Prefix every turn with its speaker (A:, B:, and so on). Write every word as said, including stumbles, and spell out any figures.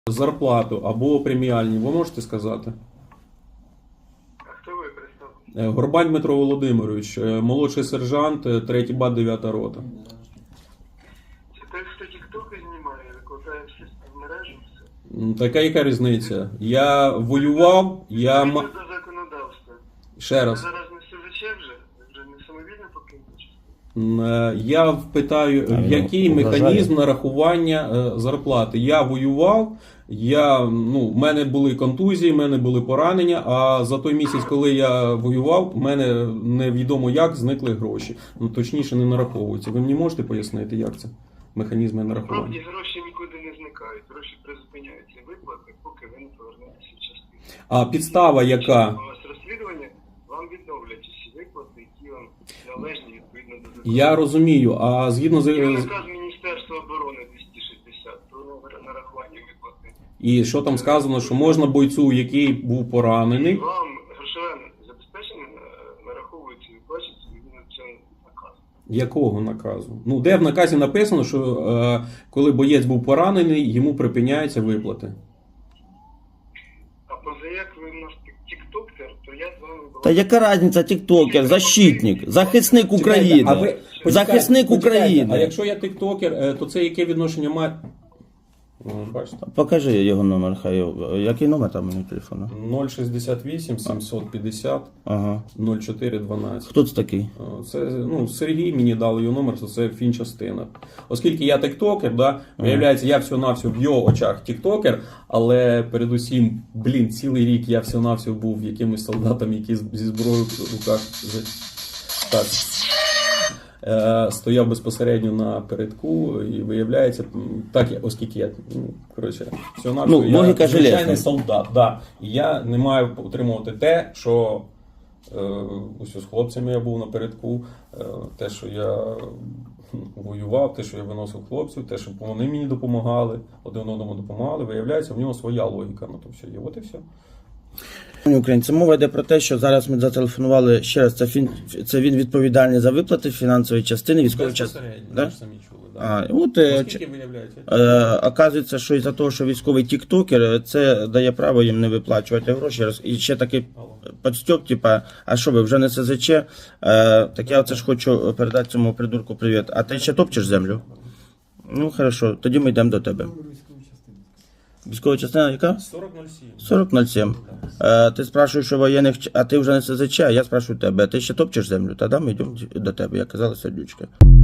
A: зарплату або преміальні, ви можете сказати?
B: А хто ви представили?
A: Е, Горбань Дмитро Володимирович, е, молодший сержант, е, третій бат, дев'ята рота.
B: Це той, хто тіктоки знімає, викладає все в мережу, все.
A: М, Така яка різниця? Я воював, я...
B: Відповідно
A: ма-
B: до законодавства.
A: Ще
B: Ви
A: раз.
B: зараз не СЗЧ вже? Ви вже не самовільно покинете частину?
A: М, е, Я питаю,
C: А,
A: в який
C: ну,
A: механізм
C: вважаю.
A: нарахування е, зарплати? Я воював, я, ну, в мене були контузії, в мене були поранення, а за той місяць, коли я воював, в мене невідомо як зникли гроші. Ну, точніше, не нараховуються. Ви мені можете пояснити, як це? Механізми нарахування?
B: Справді гроші нікуди не зникають. Гроші призупиняються виплати, поки ви не повернетеся в частину.
A: А підстава яка?
B: У вас розслідування, вам відновлять усі виплати, які вам належні відповідно до закону.
A: Я розумію, а згідно з...
B: Є наказ Міністерства оборони двісті шістдесят про нарахування виплати.
A: І що там сказано, що можна бойцю, який був поранений,
B: Вам грошове забезпечення е, нараховується і виплачується відповідно до цього наказу.
A: якого наказу? Ну, де в наказі написано, що е, коли боєць був поранений, йому припиняються виплати.
B: А поза як ви в нас тіктоктер, то я з вами була.
C: Та яка різниця, тіктокер, защитник, захисник України.
A: А ви-
C: Захисник
A: почекайте,
C: України.
A: А якщо я тиктокер, е, то це яке відношення має? О, бачите.
C: Покажи його номер, хай. його- Який номер там у нього телефону?
A: нуль шістдесят вісім сімсот п'ятдесят
C: Ага.
A: нуль чотири дванадцять.
C: Хто це такий?
A: Це, ну, Сергій мені дали його номер, то це фінчастина. Оскільки я тиктокер, да, виявляється, я всього-навсього в його очах тиктокер, але передусім, блін, цілий рік я всього-навсього був якимось солдатом, який з- зі зброєю в руках за- так, е, стояв безпосередньо на передку, і виявляється, м, так, я- оскільки я, ну, коротше, всього-навсього,
C: Ну,
A: я
C: логіка
A: звичайний
C: железна.
A: солдат, да, і я не маю отримувати те, що Е, ось з хлопцями я був напередку, е, те, що я воював, те, що я виносив хлопців, те, що вони мені допомагали, один одному допомагали, виявляється, в нього своя логіка на то все є. От і все.
C: Українці, мова йде про те, що зараз ми зателефонували ще раз. Це, фін... це він відповідальний за виплати фінансової частини, військової частини.
A: Безпосередньо,
C: Да?
A: ви ж самі чули. Да.
C: А, от, е,
A: Оскільки виявляється?
C: Е, оказується, що із-за того, що військовий тіктокер, це дає право їм не виплачувати гроші. І ще такий подстьоп, типа, а що ви, вже не СЗЧ? Е, так я оце ж хочу передати цьому придурку привіт. А ти ще топчеш землю? Ну, хорошо, тоді ми йдемо до тебе. Військова частина яка?
A: сорок нуль сім.
C: сорок нуль сім. Е, ти спрашуєш, що воєнних, а ти вже не СЗЧ, а я спрашиваю тебе, а ти ще топчеш землю? Тоді ми йдемо до тебе, як казала сердючка.